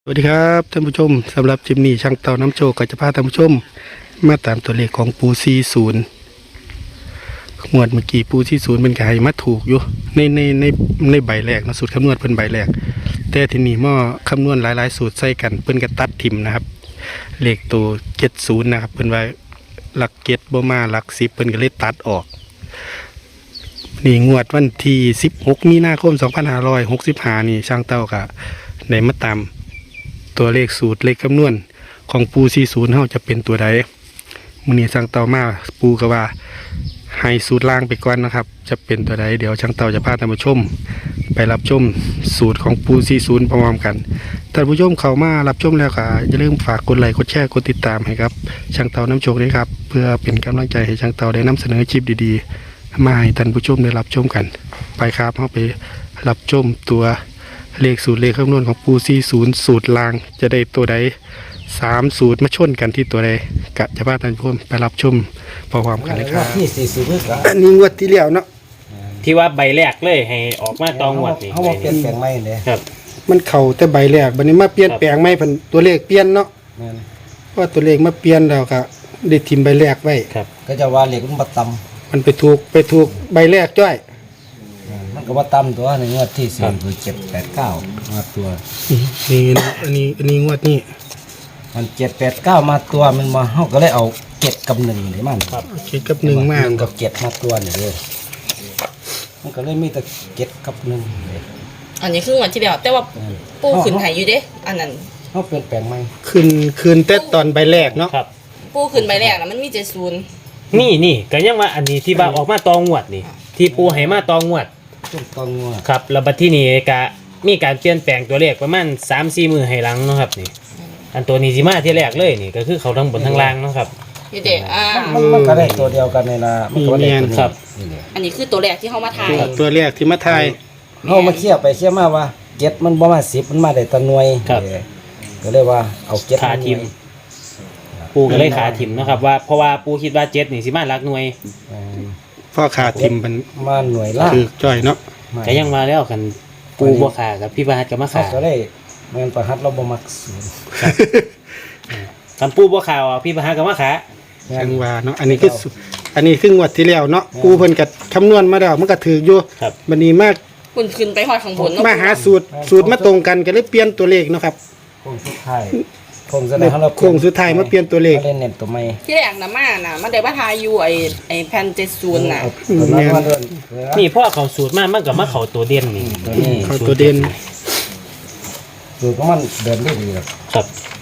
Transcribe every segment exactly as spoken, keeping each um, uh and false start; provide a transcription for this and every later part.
สวัสดีครับท่านผู้ชมสำหรับจิมนี่ช่างเต่าน้ำโชคก็จะพาท่านผู้ชมมาตามตัวเลขของปูซีศูนย์หมวดเมื่อกี้ปูซีศูนย์เป็นไก่มาถูกอยู่ในในในในใบแรกนะสูตรคำนวณเป็นใบแรกแต่ทีนี้หม้อคำนวณหลายๆสูตรใส่กันเพิ่นก็ตัดทิมนะครับเลขตัวเจ็ดศูนย์นะครับเพิ่นไว้หลักเจ็ดบ่มาหลักสิบเพิ่นก็เลยตัดออกนี่งวดวันที่สิบหกมีนาคมสองพันห้าร้อยหกสิบห้านี่ช่างเต่าก็ได้มาตามตัวเลขสูตรเลขคำนวณของปูซีศูนย์เฮาจะเป็นตัวใดมื้อนี้ช่างเต่ามาปูก็ว่าให้สูตรล่างไปก่อนนะครับจะเป็นตัวใดเดี๋ยวช่างเต่าจะพาท่านผู้ชมไปรับชมสูตรของปูซีศูนย์พร้อมๆกันท่านผู้ชมเข้ามารับชมแล้วก็อย่าลืมฝากกดไลค์กดแชร์กดติดตามให้ครับช่างเต่าน้ำโชคด้วยครับเพื่อเป็นกำลังใจให้ช่างเต่าได้นำเสนอคลิปดีๆมาให้ท่านผู้ชมได้รับชมกันไปครับเฮาไปรับชมตัวเลขสูตรเลขคำนวณของปูซีศูนย์สูตรลางจะได้ตัวใดสามสูตรมาชนกันที่ตัวใดกะจะพาท่านผู้ชมไปรับชมพร้อมๆกันเลยครับที่สี่สิบก็อันนี้งวดที่แล้วเนาะที่ว่าใบแรกเลยให้ออกมาตองหวดนี่เขาบอกเปลี่ยนแปลงใหม่เลยครับมันเข่าแต่ใบแรกบัดนี้มาเปลี่ยนแปลงใหม่เพิ่นตัวเลขเปลี่ยนเนาะนั่นเพราะตัวเลขมาเปลี่ยนแล้วก็ได้ทิมใบแรกไว้ครับก็จะว่าเหล็กมันบัตตมันไปถูกไปถูกใบแรกจ้อยำมันก็บัตตำตัวในงวดที่สี่คือเจ็ดแปดเก้ามาตัวนี่อันนี้อันนี้งวดนี้มันเจ็ดแปดเก้ามาตัวมันมาเขาก็เลยเอาเจ็ดกับหนึ่งนี่มันคิดกับหนึ่งมากหนึ่งกับเจ็ดมาตัวนี่เลยมันก็เลยมีแต่เจ็ดกับหนึ่งเลยอันนี้คือวันที่แล้วแต่ว่าปูขึ้นไห้อยู่เด้อันนั้นเขาเปลี่ยนแปลงใหม่คืนคืนแต่ตอนใบแรกเนาะครับปูขึ้นใบแรกนะมันมีเจ็ดศูนย์นี่นี่ก็ยังว่าอันนี้ที่ว่าออกมาตองหวดนี่ที่ปูให้มาตองหวดต้นตองงัวครับแล้วบัดที่นี่ก็มีการเปลี่ยนแปลงตัวเลขประมาณ สามสี่ มือให้หลังเนาะครับนี่อันตัวนี้สิมาที่แรกเลยนี่ก็คือเขาทั้งบนทั้งล่างเนาะครับอยู่เด้อ่ามันมันก็ได้ตัวเดียวกันในละมันก็ได้ตัวนี้ครับนี่เลยอันนี้คือตัวแรกที่เขามาถ่ายตัวแรกที่มาทายเขามาเคี่ยวไปเคี่ยวมาว่าเจ็ดมันบ่มาสิบมันมาได้แตะหน่วยครับเออก็เลยว่าเอาเจ็ดขาทิม ปูก็เลยขาทิมเนาะครับว่าเพราะว่าปูคิดว่าเจ็ดนี่สิมาหลักหน่วยเออพ่อขาทิมมันมาหน่วยล่างคือจ้อยเนาะก็ยังมาแล้วกันปูบ่ขากับพี่บาสกับมาเขาขาก็ได้เงินประหัดเราบ่มักศูนย์กันปูบ่ขาอ่ะพี่บาสกับมาขาจังว่าเนาะอันนี้คือสุอันนี้คืองวดที่แล้วเนาะปูเพิ่นก็คำนวณมาแล้วมันก็ถืออยู่ครับบัดนี้มาคุณขึ้นไปหอดข้างบนเนาะมาหาสูตรสูตรมาตรงกันก็เลยเปลี่ยนตัวเลขเนาะครับโค้งสุดท้ายโค้งสุดท้ายเขาเราโค้งสุดท้ายมาเปลี่ยนตัวเลขขาเล่นเน้นตัวใหม่ที่แรกนะมาน่ะมันได้มาถ่ายอยู่ไอ้ไอ้แผ่นเจ็ดศูนย์น่ะเอาเอามามาเดินนี่พ่อเขาสูตรมามันก็มาเขาตัวเด่นนี่ตัวนี้เขาตัวเด่นสูตรของมันเดินได้ดีครับครับ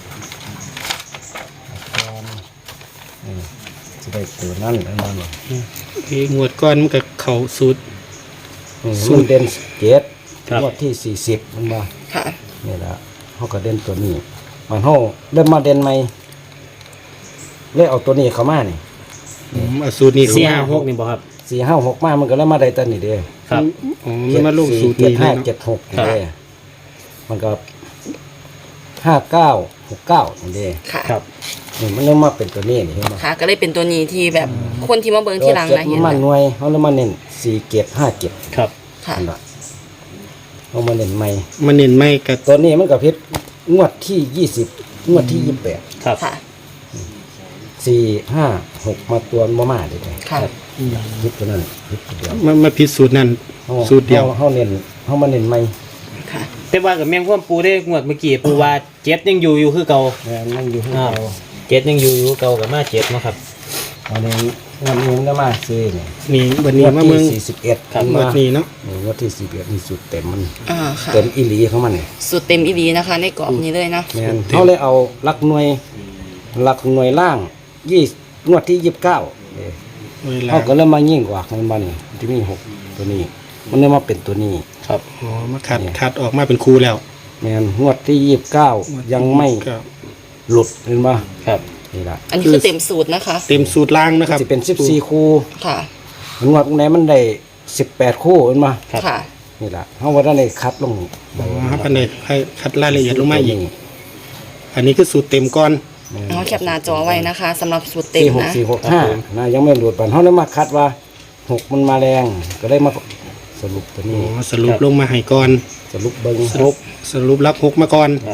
นี่จะได้ตัวนั้นอันนั้นเลยที่งวดก่อนมันก็เข้าสูตรสูตรเด่นเจ็ดครับงวดที่สี่สิบมันมาค่ะนี่แหละเขาก็เด่นตัวนี้มันเขาเริ่มมาเด่นใหม่เลยเอาตัวนี้เข้ามานี่อืมเอาสูตรนี้เข้าสี่มาห้าหกนี่บ่ครับสี่ห้าหกมามันก็เริ่มมาได้ตัวนี้เด้ครับอ๋อมันมาลงสูตรเจ็ดนี้เลห้ายเนาะเจ็ดหกครับเด้มันก็ห้าเก้าหกเก้าเด้ค่ะครับนี่มันเริ่มมาเป็นตัวนี้นี่เห็นไหมค่ะ ก็เลยเป็นตัวนี้ที่แบบคนที่มาเบิ่งที่หลังเจ็ดนะเห็นมันนะหน่วยเขาเริ่มมาเน้นสี่เจ็ดห้าเจ็ดครับค่ะนั่นแหละเขามาเน้นใหม่มันเน้นไม่กับตัวนี้มันก็พิษงวดที่ยี่สิบงวดที่ยี่สิบแปดครับค่ะสี่ห้าหกมาตัวมามาเลยค่ะพิษตัวนั้นพิษตัวเดียวมันมาผิดสูตรนั้นขาสูตรเดียวเขาเน้นเขามาเน้นใหม่ค่ะแต่ว่ากับแมงพ่วมปูได้งวดเมื่อกี้ปูว่าเจ็ดยังอยู่อยู่คือเก่าแม่นนั่งอยู่ข้างอ้าวเราเจ็ดยังอยู่อยู่เก่ากับมาเจ็ดเนาะครับวันนี้งวดนี้มันก็มาซื้อเนี่ยนี่วันนี้งวดมาเมืที่องสี่สิบเอ็ดครับงวดนี้เนาะงวดที่สี่สิบเอ็ดมีสูตรเต็มมันอ่าค่ะเต็มอีหลีเขามันเนี่ยสุดเต็มอีดีนะคะ ในกรอบนี้เลยนะแม่นเขาเลยเอาหลักหน่วยหลักหน่วยล่างยี่งวดที่ยี่สิบเก้าเวลาเขาก็เริ่มมายิ่งกว่ามันมานี่ที่มีหกตัวนี้ มันเริ่มมาเป็นตัวนี้ครับอ๋อมาขัดขัดออกมาเป็นครูแล้วแม่นงวดที่ยี่สิบเก้ายังไม่ก็หลุดเห็นปะครับนี่ละอันนี้คือเต็มสูตรนะคะเต็มสูตรล่างนะครับจะเป็นสิบสี่คู่ค่ะงวดไหนมันได้สิบแปดคู่เห็นปะครับค่ะนี่ละเขาว่าได้คัดลงอ๋อครับอันนี้ให้คัดรายละเอียดลงมาอีกอันนี้คือสูตรเต็มก่อนเอาแคปหน้าจอไว้นะคะสำหรับสูตรเต็มสี่หกนะสี่หกห้านะยังไม่หลุดปันเขาเลยมาคัดว่าหกมันมาแรงก็เลยมาสรุปตัวอ๋นี้อสรุปลงมาให้ก่อนสรุปเบิ้งสรุปสรุปรับหกมาก่อนครับ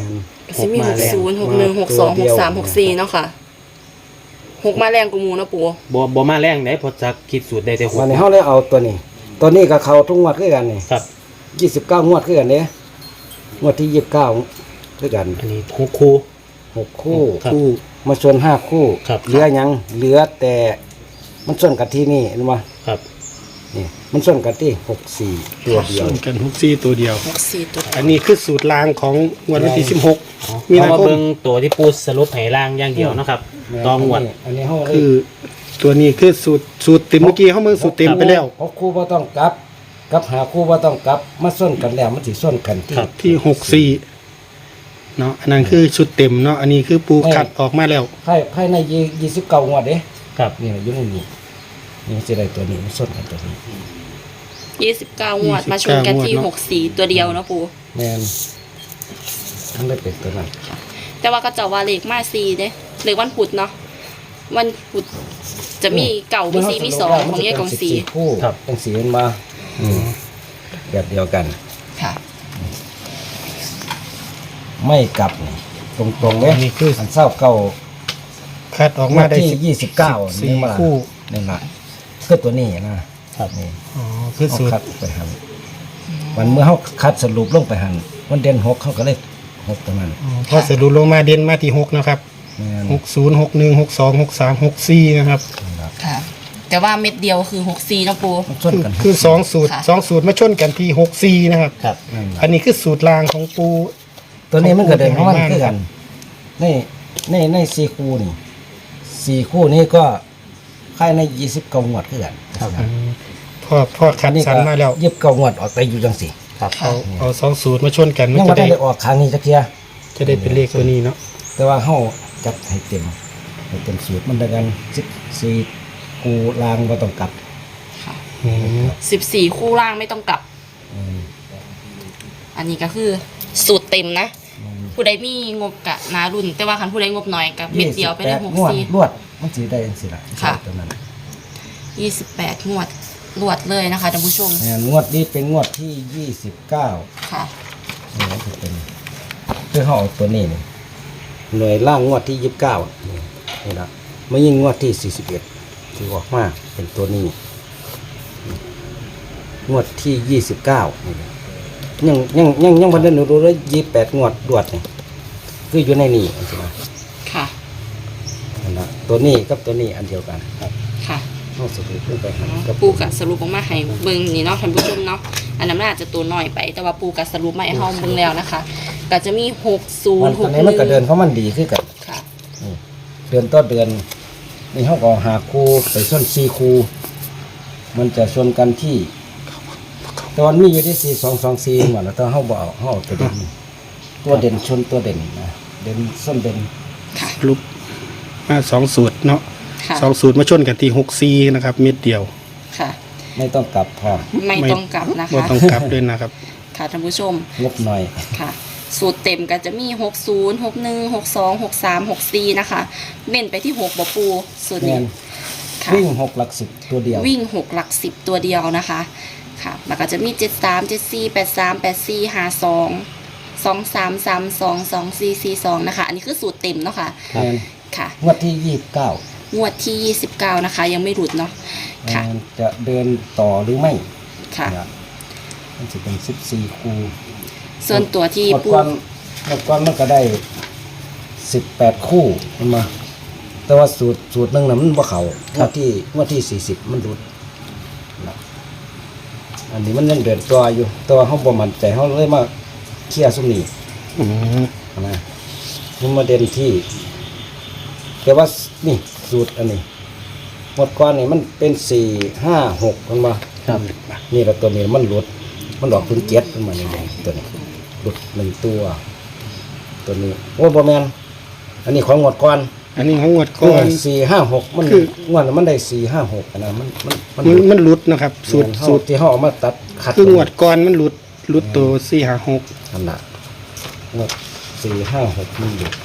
สิมีหกศูนย์หกหนึ่งหกสองหกสามหกสี่เนาะค่ะหกมาแรงกูมูเนาะปูบ่บ่มาแรงได้เพอจะคิดสูตรได้แต่หกวันนี้เฮาเลยเอาตัวนี้ ตัวนี้กับเขาทุกงวดคือกันนี่ครับยี่สิบเก้างวดคือกันเด้งวดที่ยี่สิบเก้าคือกันอันนี้หกคู่หกคู่ครับคู่มาชนห้าคู่ครับเหลือหยังเหลือแต่มันส่วนกันที่นี่เห็นบ่ครับนี่มันส่วนกันที่หกสี่ตัวเดียวส่วนกันหกสี่ตัวเดียวหกสี่ตัวอันนี้คือสูตรลางของงวดวันที่สิบหก มีมีนานาคมเบิ่งตัวที่ปูสรุปให้ล่างอย่างเดียวเนาะครับตองหวดอันนี้เฮาเลยคือตัวนี้คือสูตรสูตรเต็มเมื่อกี้เขาเมื่อสูตรเต็มไปแล้วหกคู่บ่ต้องกลับกลับหาคู่บ่ต้องกลับมาส่วนกันแล้วมันสิส่วนกันที่ครับที่หกสี่เนาะอันนั้นคือชุดเต็มเนาะอันนี้คือปูคัดออกมาแล้วภายภายในยี่สิบเก้างวดเด้ครับนี่อยู่ในนี้นี่สิได้ตัวนี้มันส่วนกันตัวนี้ยี่สิบเก้างวดมาชนกันที่หกสี่ตัวเดียวเนาะปูแม่นทั้งได้เป็นตัวนั้นแต่ว่าก็จะว่าเลขมาสี่เด้เลขวันพุธเนาะวันพุธจะมีเก่ามีสี่มีสองของแยกของสี่คู่ครับเป็นสีมันมาอืมแบบเดียวกันค่ะไม่กลับนี่ตรงๆเลยอันนี้คืออันเศร้าเก่าคัดออกมาได้ที่สิบยี่สิบเก้าสี่นี่มาคู่นี่ละคือตัวนี้นะครับนี่อ๋อคือเขาสูตรคัดไปหันวันเมื่อเขาคัดสรุปลงไปหันวันเดือนหกเขาก็เลยหกตัวนั้นอ๋อพอสรุปลงมาเด่นมาที่หกนะครับแม่นหกศูนย์หกหนึ่งหกสองหกสามหกสี่นะครับนี่ล่ะค่ะ แต่ว่าเม็ดเดียวคือหกสี่เนาะปูมันส่วนคือกันคือสองสูตรค่ะสองสูตรมาชนกันที่หกสี่นะครับครับนั่นล่ะอันนี้คือสูตรลางของปูตัวนี้มันก็เดินขขออง งปูมันที่คือให้มากันในในในสี่คู่นี่สี่คู่นี้ก็ค่ายในยี่สิบเก้างวดคือกันอืมพ่อพ่อคัดสรรมาแล้วยี่สิบเก้างวดออกไปอยู่จังสิครับเอาเอาสองสูตรมาชนกันมันยังจะไม่ได้ได้ออกครั้งนี้จักเทียจะได้เป็นเลขตัวนี้เนาะแต่ว่าเฮาจัดให้เต็มให้เต็มสูตรมันได้กันสิบสี่คู่ลางบ่ต้องกลับอืมสิบสี่คู่ล่างไม่ต้องกลับอืมอันนี้ก็คือสูตรเต็มนะ ผู้ใดมีงบกะนารุ่น แต่ว่าคันผู้ใดงบน้อยกับเม็ดเดียวไปได้หกงวดสี่รวดมันสิได้จังซี่ล่ะค่ะตัวนั้นยี่สิบแปดงวดรวดเลยนะคะท่านผู้ชมแม่นงวดนี้เป็นงวดที่ยี่สิบเก้าค่ะนี่มันจะเป็นคือเฮาเอาตัวนี้นี่หน่วยล่างงวดที่ยี่สิบเก้านี่นี่ล่ะมายิงงวดที่สี่สิบเอ็ดที่ออกมาเป็นตัวนี้ งวดที่ยี่สิบเก้ายังยังยังยังพันเดินหนูดูเลยยี่แปดงวดดวดนี่คืออยู่ในนี่อันนี้นะค่ะอันนั้นตัวนี้กับตัวนี้อันเดียวกันครับค่ะนอกสุดขึ้นไปหันกับปูกะสรุปออกมาให้เบิ่งนี่เนาะท่านผู้ชมเนาะ อันนั้นมันอาจจะตัวน้อยไป แต่ว่าปูกะสรุปมาให้เฮาเบิ่งแล้วนะคะ ก็จะมีหกศูมัน นย์หตอก นนี้หมันก็เดินึ่นงเพราะมันดีขึ้นกันค่ะนี่เดือนต่อเดือนนี่เขาก็หาคูไปส้นซีคูมันจะชนกันที่ตอนนี้อยู่ที่สี่สองสองสี่หมดแล้วตอนเขาบอกเขาเอาตัวเด่นตัวเด่นชนตัวเด่นนะเด่นส้นเด่นรูปมาสองสูตรเนาะค่ะสองสูตรมาชนกันที่หกสี่นะครับ เม็ดเดียวค่ะไม่ต้องกลับพร้อมไม่ต้องกลับนะบ่คะต้องกลับด้วยนะครับค่ะท่านผู้ชมงบหน่อยค่ะ สูตรเต็มก็จะมีหกศูนย์ หกหนึ่ง หกสอง หกสาม หกสี่นะคะ เน้นไปที่หกบ่ปูสูตรแม่นี้นค่ะวิ่งหกหลักสิบตัวเดียววิ่งหกหลักสิบตัวเดียวนะคะ ค่ะ แล้วก็จะมีเจ็ดสาม เจ็ดสี่ แปดสาม แปดสี่ ห้าสอง สองสาม สามสอง สองสี่ สี่สองนะคะ อันนี้คือสูตรเต็มเนาะค่ะแม่นค่ะงวดที่ยี่สิบเก้างวดที่ยี่สิบเก้านะคะ ยังไม่หลุดเนาะ ค่ะจะเดินต่อหรือไม่ค่ะเนี่ยมันจะเป็นสิบสี่คูส่วนตัวที่หมดปูก้อนหมดก้อนมันก็ได้สิบแปดคู่มันมา แต่ว่าสูตรสูตรหนึ่งน่ะมันบ่เขางวดที่งวดที่สี่สิบมันรุดนะอันนี้มันยังเดินตัวอยู่แต่ว่าเขาบ่มั่นใจเขาเลยมาเคลียร์สุมนี้อืมนะมันมาเด่นที่ แต่ว่านี่สูตรอันนี้หมดก้อนนี่มันเป็นสี่ห้าหกมันมาครับนี่แหละตัวนี้มันหลุด มันดอกเป็นเจ็ดมันมาอย่างนี้ตัวนี้หลุดหนึ่งตัว ตัวนี้โอ้บอแมนอันนี้ของหมดก้อนอันนี้ของงวดคืก่ออนสี่ห้าหกมันคืองวดนั้นมันได้สี่ห้าหกนะมันมันมันมันมันหลุดนะครับ สูตรสูสูตตรรที่เขาเอามาตัดคัดคืองวดก่อนมันหลุดหลุดตัวสี่ห้าหกอันน่ะงวดสี่ห้าหกมันหลุด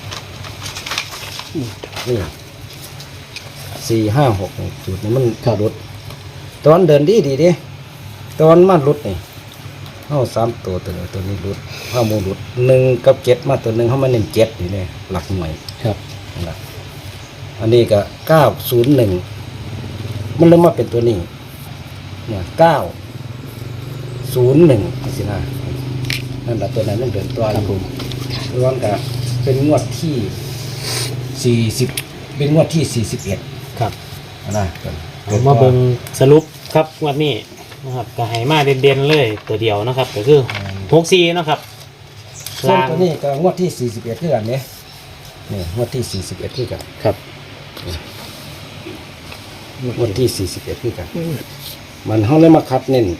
นี่สี่ห้าหกสูตรนี้มันหลุดตอนเดินดีดีดิตอนมันหลุดนี่เเข้าสามตัวตัวนี้ตัวนี้รุดเข้าโมรุดหนึ่งกับเจ็ดมาตัวหนึ่งเข้ามาเน้นเจ็ดนี่เนี่ยหลักหน่วยครับนะอันนี้ก็เก้าศูนย์หนึ่งมันเริ่มมาเป็นตัวนี้เนี่ยเก้าศูนย์หนึ่งสินะนั่นแหละตัวนั้นมันเดินตัวครับผมร้อนกับเป็นงวดที่สี่สิบเป็นงวดที่สี่สิบเอ็ดครับนะเอามาเบิ่งสรุปครับงวันนี้นะครับก็ให้มาเด่นๆเลยตัวเดียวนะครับ ก็คือหกสี่นะครับส่วนล่างตัวนี้ก็งวดที่สี่สิบเอ็ดคือกันเนี่ยนี่งวดที่สี่สิบเอ็ดคือกันครับงวดที่สี่สิบเอ็ดคือกัน มันเขาเลยมาคัดเน้น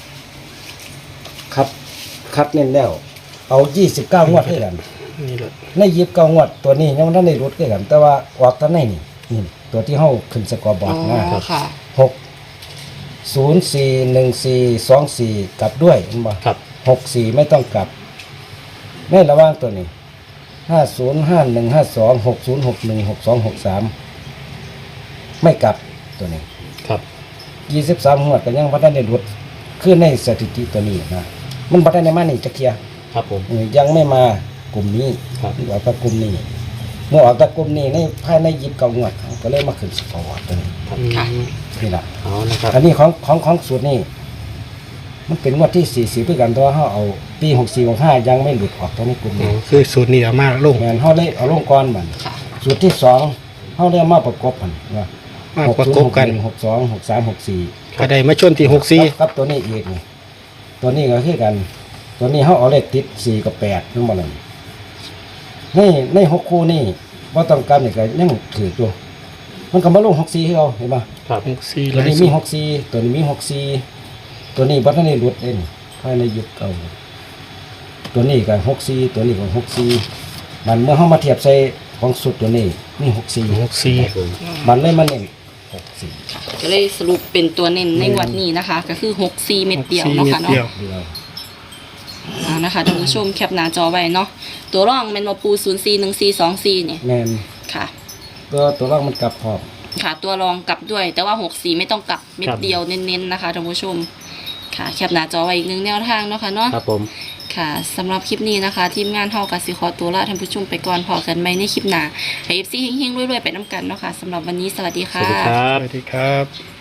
คัดคัดเน้นแล้ว เอายี่สิบเก้างวดคือกันนี่แหละในยิบเก้างวดตัวนี้ยังไม่ได้รุดคือกัน แต่ว่าออกตัวไหนนี่นี่ตัวที่เขาขึ้นสกอร์บอร์ดนะอ๋อค่ะหกศูนย์สี่หนึ่งสี่สองสี่กลับด้วยเห็นบ่ครับหกสี่ไม่ต้องกลับในระหว่างตัวนี้ห้าศูนย์ห้าหนึ่งห้าสองหกศูนย์หกหนึ่งหกสองหกสามไม่กลับตัวนี้ครับยี่สิบสามหัวดก็ยังพัฒนาดุดขึ้นในสถิติตัวนี้นะมันพัฒนามานี่จะเคลียร์ครับผมเออยังไม่มากลุ่มนี้ครับออกจากกลุ่มนี้เมื่อออกจากกลุ่มนี้ในภายในยิบเก้างวดก็เลยมาขึ้นสกอร์ตัวนี้ครับค่ะนี่แหละเอานะครับอันนี้ของของของสูตรนี่มันเป็นงวดที่สี่สิบเพื่อกันตัวเขาเอาปีหกสี่หกห้ายังไม่หลุดออกตัวนี้กลุ่มอ๋อนี้คือสูตรนี้เอามาลงแมนเขาเลยเอาลงก้อนมันค่ะสูตรที่สองเขาเรียกมาประกบกันว่ามาประกบกันหกสองหกสามหกสี่ก็ได้มาชนที่หกสี่ครับตัวนี้อีกนี่ตัวนี้ก็คือกัน ตัวนี้เขาเอาเลขติดสี่กับแปดทั้งหมดเลยในในหกคู่นี่ว่าต้องการนี่ก็ยังถือตัว มันก็มาลงหกสี่ให้เราเห็นปะครับหกสี่ตัวหลายนี้สูมีตรหกสี่ตัวนี้มีหกสี่ตัวนี้บัตรนี้หลุดเองภายในยุคเก่าตัวนี้ก็หกสี่ตัวนี้ก็หกสี่มันเมื่อเขามาเทียบใส่ของสุดตัวนี้มีหกสี่หกสี่ครับผมมันเลยมาเน้นหกสี่ก็เลยสรุปเป็นตัวเน้นในงวดนี้นะคะ ก็คือหกสี่เม็ดเดียวเนาะค่ะเม็ดเดียวเนาะเดียวอ่านะคะท่านผู้ชมแคปหน้าจอไว้เนาะตัวร่องเป็นมาปูศูนย์สี่หนึ่งสี่สองสี่เนี่ยแมนค่ะตัวตัวล่างมันกลับพร้อมค่ะตัวรองกลับด้วย แต่ว่าหกสี่ไม่ต้องกลับเม็ดเดียวเน้นๆนะคะท่านผู้ชมค่ะแคปหน้าจอไว้อีกหนึ่งแนวทางเนาะค่ะเนาะครับผมค่ะสำหรับคลิปนี้นะคะ ทีมงานเฮากับสิขอตัวลาท่านผู้ชมไปก่อนพอกันไหมในคลิปหน้าให้ เอฟ ซี เฮงๆรวยๆไปน้ำกันเนาะค่ะสำหรับวันนี้สวัสดีสค่ะวัสดีครัสบวัสดีครับ